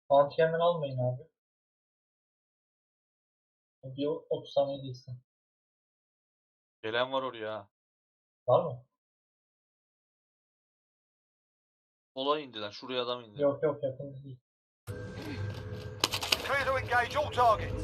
Bounty hemen almayın abi. Bir 30 saniye değilsin. Gelen var oraya. Var mı? Sola indiler. Şuraya adam indi. Yok yok, yakın değil. Clear to engage all targets.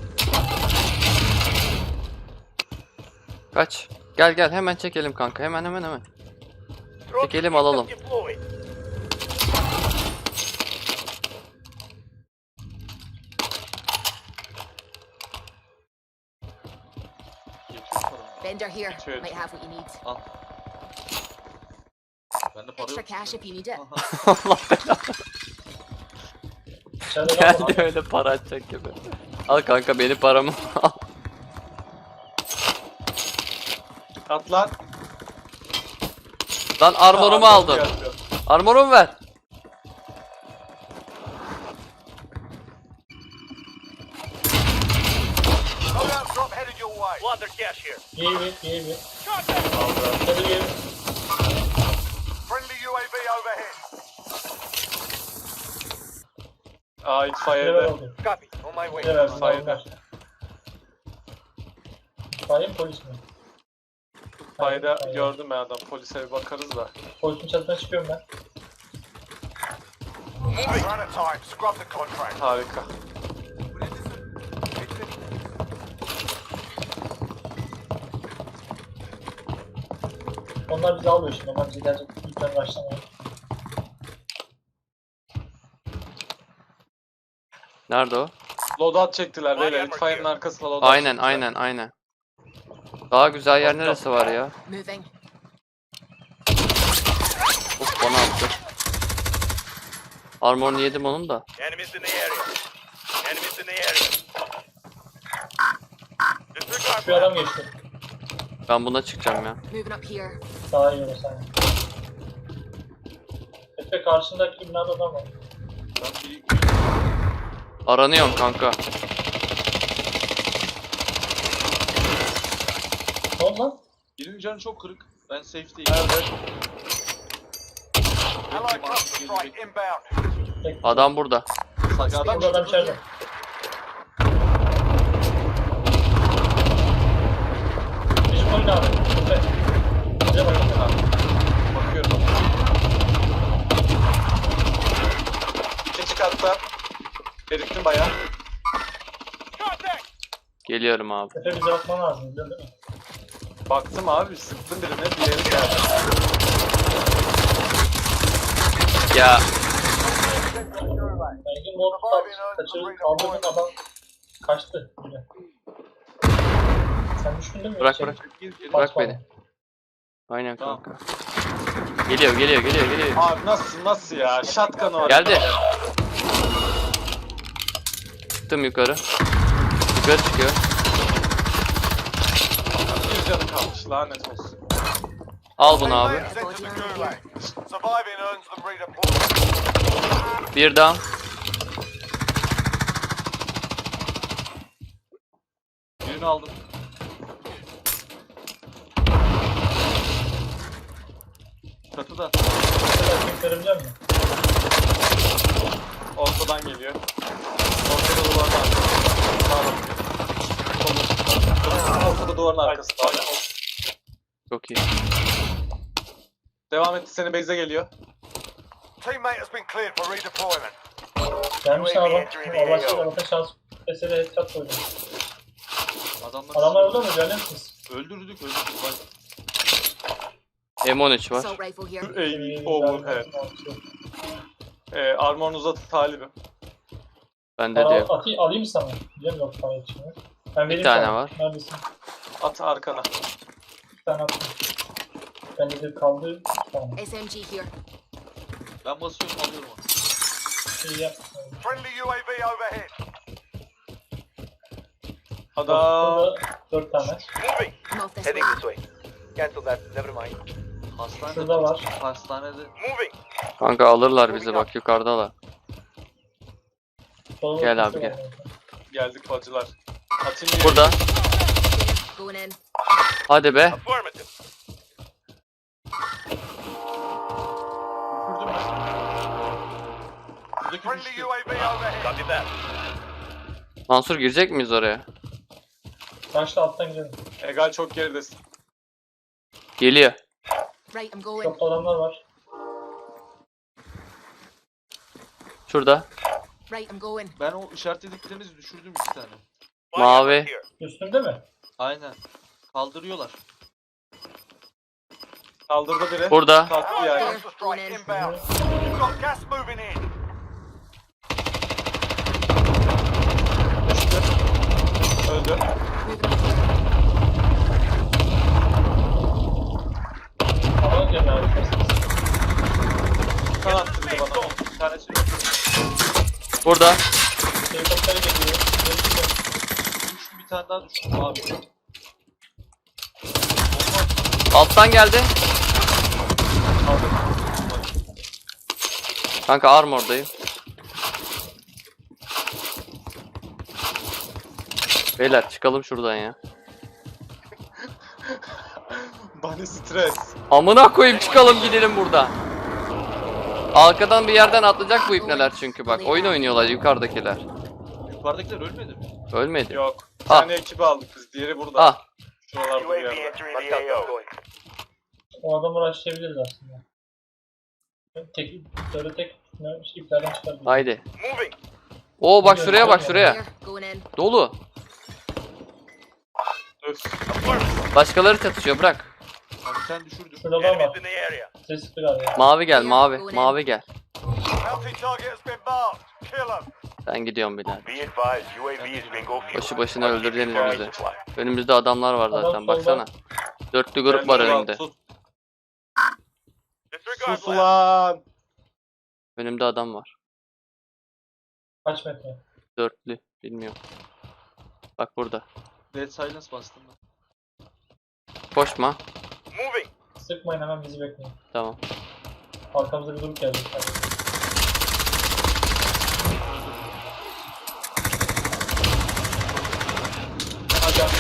Kaç. Gel hemen çekelim kanka. Hemen. Çekelim alalım. Yetmiş para mı? Vendor here. Sure. Might have what you need. Al. Bende para Extra yok. cash if you need it. Allah belanı. İçeride var mı? Geldi öyle para atacak gibi. Al kanka benim paramı al. At lan. Lan armorumu aldın. Armorumu ver. Loadout drop headed your way. Plunder cash here. İyi. Hadi bir. Friendly UAV overhead. Aa itfaiyede. Copy. On my way. Bize ver. Fayda. Fayda mı polis mi? Fayda Hayır. gördüm ben adam. Polise bir bakarız da. Polisin çatısına çıkıyorum ben. Moving. Run at time. Scrub the contract. Harika. Onlar bizi alıyor şimdi. Onlar bizi gelecek. Lütfen başlamayın. Nerede o? Loadout çektiler beyler. İtfaiyenin arkasına loadout çektiler. Aynen. Daha güzel yer neresi var ya? Moving. Of bana attı. Armorunu yedim onun da. Enemies in the area. Enemies in the area. Disregard Şu adam geçti. Ben buna çıkacağım ya. Moving up here. Daha iyi olur sanki. Efe karşındaki binada adam var. Ben bir Aranıyorum kanka. Ne oldu lan? birinin canı çok kırık. Ben safe'deyim. Allied cluster strike inbound. Tek- Adam burada. Sanki adam Burada adam içeride. Bizim oyun abi. Efe. Bize bakın. bakıyorum. İkinci katta. Eriktim bayağı. Contact. Geliyorum abi. Efe bize bakman lazım. Biliyor musun? Baktım abi. Sıktım birine. Diğeri geldi. Ya Belki mod kaçırıp kaldırdın adam kaçtı. Bile. Sen düştün değil mi? bırak İçeri. bırak. Gir, gir. Bırak Basma. beni. Aynen Tamam. kanka. Geliyor. Abi nasıl ya? Shotgun var. Geldi. Çıktım yukarı. Yukarı çıkıyor. Bir canı kalmış. Lanet olsun. Al bunu abi. Sent to the gulag. Surviving earns them redeployment. Bir down. Birini aldım. Çatıda. Sen görebilecek misin? Ortadan geliyor. Ortada duvarın arkasında. Sağda. Ortada duvarın arkasında. Çok iyi. Devam etti. Senin base'e geliyor. Teammate has been cleared for redeployment. Gelmiş adam. Allah aşkına bakın şans. Mesela headshot koydum. Adamlar orada mı? Görüyor musunuz? Öldürdük. Vay. M13 var. Assault rifle here. Ey overhead. Armor'un uzatı talibim. Bende de yok. Alayım mı sana? Biliyorum yok sana yetişmiyor. Ben vereyim tane sana. var. Neredesin? At arkana. Bir tane attım. Bende de kaldı. Tamam. SMG here. Ben basıyorum alıyorum onu. İyi yap. Friendly UAV overhead. Adam. Burada 4 tane. Moving. I'm off this way. way. Cancel that. Never mind. Hastanede. Şurada var. Hastanede. Moving. Kanka alırlar bizi bak yukarıdalar. Solda Gel bir abi, şey gel. var. Geldik bacılar. Atayım bir. Burada. Going in. Hadi be. Affirmative. Üfürdüm ben. Buradaki Friendly düştü. UAV overhead. Copy that. Mansur girecek miyiz oraya? Başla alttan gidelim. Egal çok geridesin. Geliyor. Right, I'm going. Çok adamlar var. Şurada. Right, I'm going. Ben o işaretlediklerinizi düşürdüm 2 tane. Mavi. Üstünde mi? Aynen. Kaldırıyorlar. Kaldırdı biri. Burada. Kalktı yani. Hostile strike inbound. You've got gas moving in. Düştü. Öldü. Moving up. Hava geliyor abi. Kan attı bir de bana. Bir tane şey yok. Burada. Helikoptere geliyor. Düştü, bir tane daha düştü abi. Alttan geldi. Aldım. Kanka armordayım. Beyler çıkalım şuradan ya. Bana stres. Amına koyayım çıkalım gidelim buradan. Arkadan bir yerden atlayacak bu ipneler çünkü bak. Oyun oynuyorlar yukarıdakiler. Yukarıdakiler ölmedi mi? Ölmedi. Yok. Bir Ah. tane ekibi aldık biz. Diğeri burada. Ah. Şuralarda bir yerde. entering the AO. O adamı uğraşabiliriz aslında. Tek iplerden çıkar. Haydi. Moving. Oo bak şuraya bak şuraya. Here, going in. Dolu. Öf. Başkaları çatışıyor bırak. Abi sen düşürdün. Şurada adam Enemies var. in the area. Ses sıktı galiba. Mavi gel mavi. Mavi gel. Bounty target has been marked. Kill them. Ben gidiyorum birader. Be advised, UAV is bingo fuel. Boşu boşuna öldüreceğiniz bizi. Önümüzde adamlar var Adam zaten solda. baksana. Dörtlü grup var Geldi lan, önümde. Sus, Disregard sus left. ulan. Önümde adam var. Kaç metre? Dörtlü. Bilmiyorum. Bak burada. Dead silence bastım ben. Koşma. Moving. Sıkmayın hemen bizi bekleyin. Tamam. Arkamızda bir grup geldi. Hadi abi.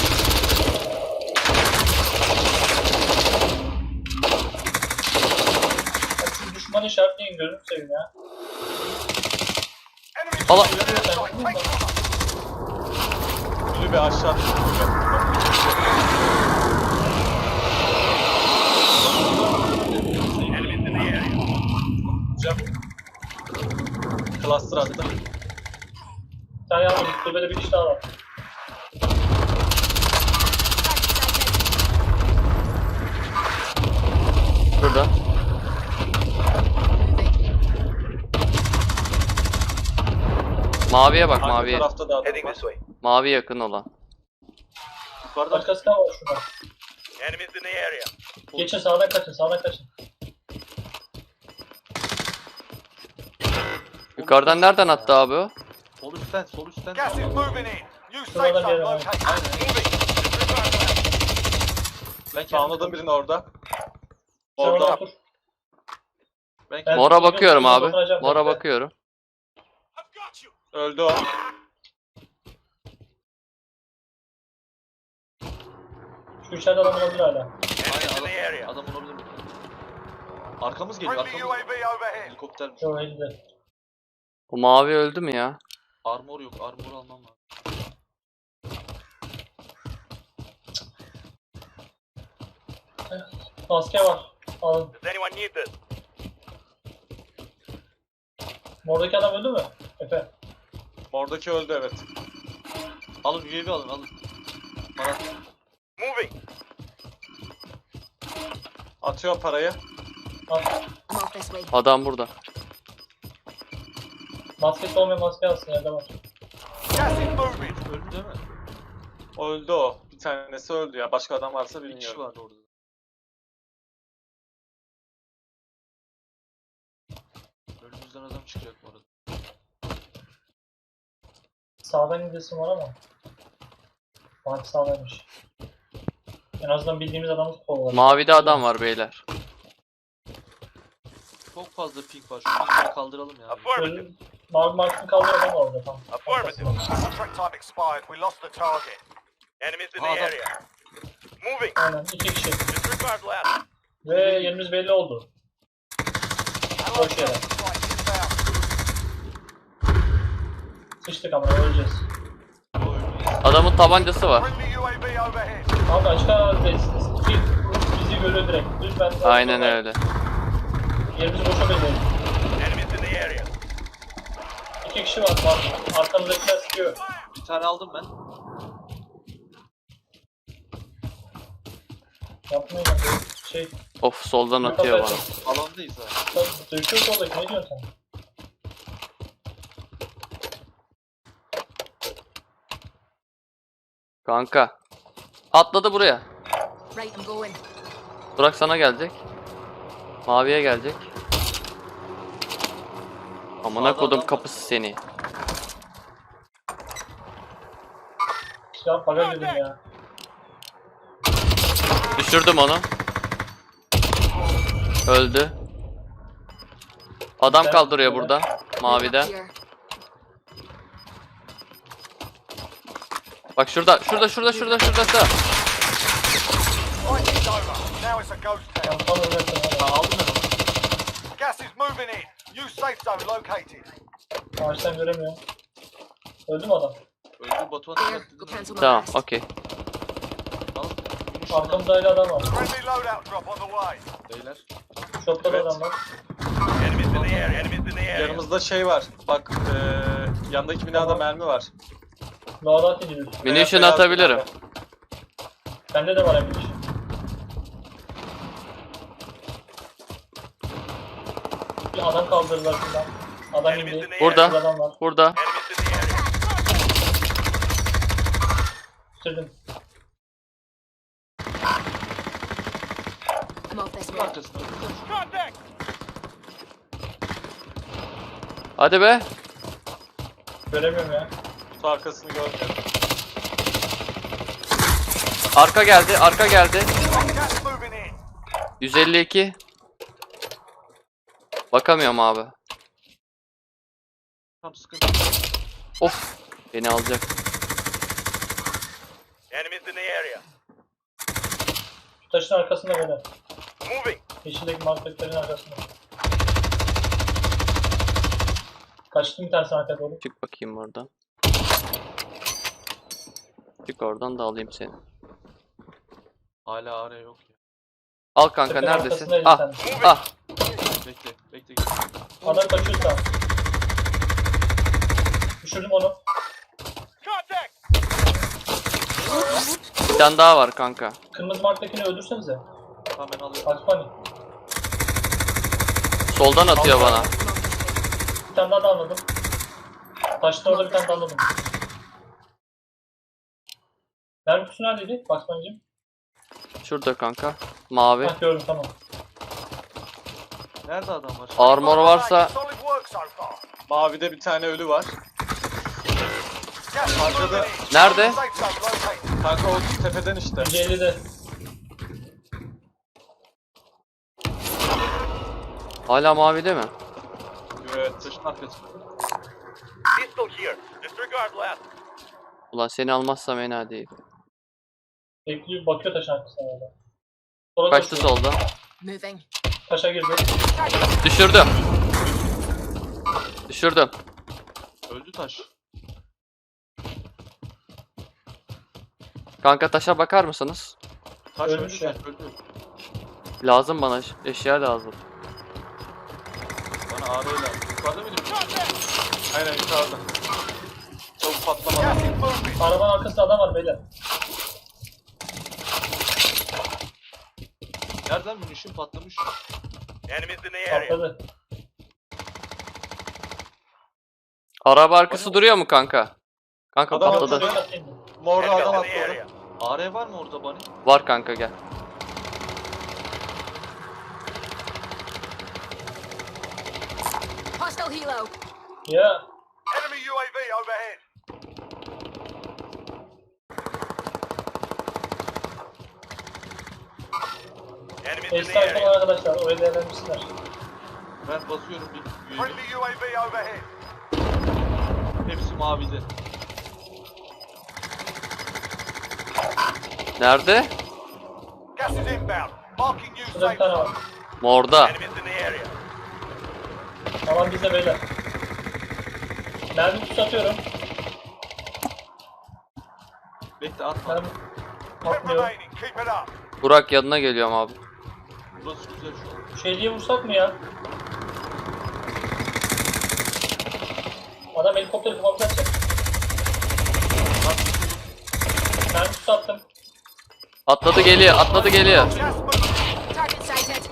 Siz düşman işaretleyin gözünü seveyim ya. Enemy Allah. Ölü bir aşağı düştü. enemies in the area. Cem. Cluster attı. Sen yalnız kulübede bir kişi daha var. Burada. Maviye bak Arka maviye. tarafta da adam Heading var. this way. Mavi yakın olan. Yukarıda Başkası daha var şurada. Enemies in the area. Geçin sağdan kaçın sağdan kaçın. Yukarıdan nereden attı abi o? sol üstten, sol üstten. Gas is moving in. New Şurada safe zone bir adam. located. Moving. Disregard left. Ben anladım birini orada. Sen orada Orada. otur. Ben Ben- Mora bakıyorum abi. Oturacağım, Mora bekle. bakıyorum. I've got you. öldü o. Şu içeride adam olabilir hala. Enemies in the area. Adam olabilir mi? Arkamız geliyor, Friendly arkamız. UAV overhead. Helikopter. Şu elde. Bu mavi öldü mü ya? Armor yok, armor almam lazım. Maske var. Alın. Does anyone need this? Oradaki adam öldü mü? Efe. Oradaki öldü evet. Alın UAV alın, alın. Bana Moving. atıyor parayı. Al. I'm off this way. Adam burada. Maskesi olmayan maske alsın yerde var. Gas is moving. Öldü değil mi? Öldü o. Bir tanesi öldü ya. Başka adam varsa şey bir kişi bilmiyorum. vardı orada. Önümüzden adam çıkacak bu arada. Sağdan gidesim var ama. Bak sağdaymış. En azından bildiğimiz adamı kovalar. Mavide adam var beyler. Çok fazla ping var. Şu pingleri kaldıralım ya. Affirmative. Mavi markını kaldır adam var orada tam. Affirmative. Contract time expired. We lost the target. Enemies in the Adam. area. Moving. Aynen 2 kişi. Disregard left. Ve yerimiz belli oldu. Boş yere. Strike inbound. Sıçtık ama öleceğiz. Adamın tabancası var. Friendly UAV overhead. Abi açık alandayız. Bizi görüyor direkt. Lütfen. Aynen öyle. Yerimizi boşa belirleyin. Enemies in the area. 2 kişi var. Bak, arkamızdakiler sıkıyor. Bir tane aldım ben. Yapmayın abi. Şey, Of soldan atıyor bana. Alandayız ha. döküyor soldaki. Ne diyorsun sen? Kanka. Atladı buraya. Right, I'm going. Burak sana gelecek. Maviye gelecek. Amına Sağda kodum adam kapısı seni. Ya baga girdim ya. Düşürdüm onu. Öldü. Adam kaldırıyor burada. Mavide. Here. Bak şurada. Şurada. It's over. Now it's a ghost town. Tam olacaksın Ha, abi. aldım ben onu. Gas is moving in. New safe zone located. Ağaçtan göremiyorum. Öldü mü adam? Öldü Batuhan. There, Evet, go dedim. cancel my Tamam, last. okey. Al. Arkamızda öyle adam var. Friendly loadout drop on the way. Beyler. Shop'ta da Evet. adam var. Enemies in the area. Enemies in the area. Yanımızda şey var. Bak yandaki binada Tamam. mermi var. Loadout ediyoruz. Munition Beyaz atabilirim. binada. Bende de var munition. Bir adam kaldırdılar şuradan. Adam indi. Burada. Şurada adam var. Burada. Enemies in the area. Bitirdim. I'm off this Bunun way. arkasında. Contact. Hadi be. Göremiyorum ya. Kutu arkasını görmüyorum. Arka geldi. Gas moving in. 152. Bakamıyorum abi. Tam sıkıntı. Of. Beni alacak. Enemies in the area. Şu taşın arkasında böyle. Moving. Yeşildeki marketlerin arkasında. Kaçtım bir tanesi arkaya doğru. Çık bakayım oradan. Çık oradan da alayım seni. Hala araya yok ya. Al kanka Tepenin neredesin? arkasındaydı Ah. sen. Ah. Bekle. Adam kaçıyor sağ. Düşürdüm onu. Contact. Bir tane daha var kanka. Kırmızı marktakini öldürsenize. Tamam ben alıyorum. Bak Funny. Soldan atıyor bana. I'm off this way. Bir tane daha anladım. Taşın orada bir tane daha anladım. Mermi kutusu neredeydi? Bak Funny'cim. Şurada kanka. Mavi. Hah gördüm tamam. Nerede adam var? Armor varsa Solid work so far. Mavide bir tane ölü var. Gas is Arkada- moving in. Nerede? Safe zone located. Kanka o tepeden işte. 150'de. hala mavide mi? Evet taşın arkasında. Pistol here. Disregard last. Ulan seni almazsam fena değil. Bekliyor bakıyor taşın arkasına orada. Sonra Kaçtı koşuyor. solda. Moving. Taşa girdi. Düşürdüm. Düşürdüm. Öldü taş. Kanka taşa bakar mısınız? Taş Ölmüş öldü ya. taş öldü. Lazım bana eşya lazım. Bana ağrı lazım. Yukarıda mıydı? Aynen yukarıda. Çabuk patlama. Gas is moving. Arabanın arkasında adam var beyler. Nereden munition patlamış? Enemies in the area. Patladı. Araba arkası duruyor mu kanka? Kanka Adam patladı. atladı. Dikkat edin. Morda adam Enemies in the area. atladı. AR var mı orada bani? Var kanka gel. Hostile helo. Ya Enemy UAV overhead. Enemies in eşit the iPhone area. arkadaşlar. Orayı değerlendirsinler. Ben basıyorum bir UAV. Friendly UAV overhead. Hepsi mavide. Nerede? Gas is inbound. Marking new Şurada safe bir tane var. zone. Morda. Enemies in the area. Tamam bizde beyler. Mermi kutusu atıyorum. Bekle atma. Mermi 10 atmıyorum. remaining. Keep it up. Burak yanına geliyorum abi. Burası güzel şu an. Şeyliği vursak mı ya? Adam helikopteri kafamıza atacak. Mermi kutusu attım. Atladı geliyor, atladı geliyor. Gas moving. Target sighted.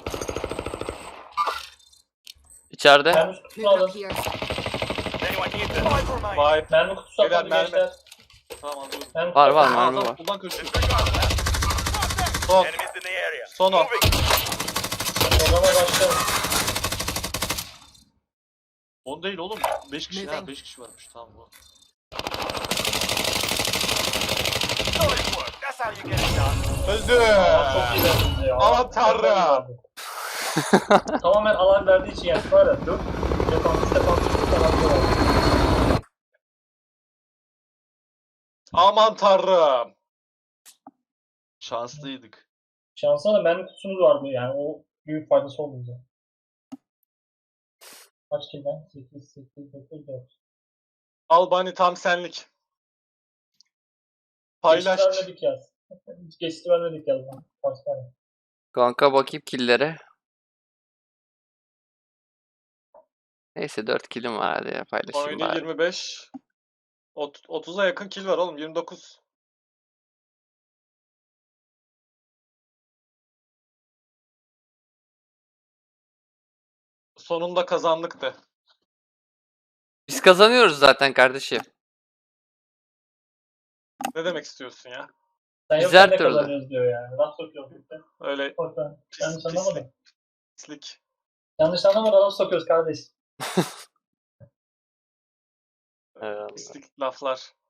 İçeride. Mermi kutusunu Moving alın. up here. Anyone need this? 5 remaining. Vay. Mermi kutusu Beyler, atmadı mermi. gençler. Tamam alıyorum. Mermi Var kutusu var atmadı. mermi var. Buradan kaçıyor. Disregard that. Son. Enemies in the area. Son o. Moving. O zaman başlayalım. 10 değil oğlum. 5 kişi ha. Moving. 5 kişi varmış. Tamam bu. Solid work. That's how you get it done. Öldü. Aa, çok iyi verdiniz ya. Aman tanrım. Tamamen alan verdiği için yani var ya 4 defans falan var. Aman tanrım. Şanslıydık. Şansına da mermi kutusumuz vardı yani o büyük faydası oldu bize. Kaç kill ben? 8, 8, 9, 4. Albani tam senlik. Paylaş. Geçti vermedik yaz. Hiç geçti vermedik yaz. Başka. Kanka bakayım killere. Neyse 4 killim var hadi ya paylaşayım Oyunda bari. 25. 30'a yakın kill var oğlum. 29. Sonunda kazandık de. Biz kazanıyoruz zaten kardeşim. Ne demek istiyorsun ya? Sen Biz yokken her ne türlü. kazanıyoruz diyor yani. Laf sokuyor. Öyle Orta. Yanlış pislik. anlamadım. Pislik. Yanlış anlamadan laf sokuyoruz kardeş. Eyvallah. Pislik laflar.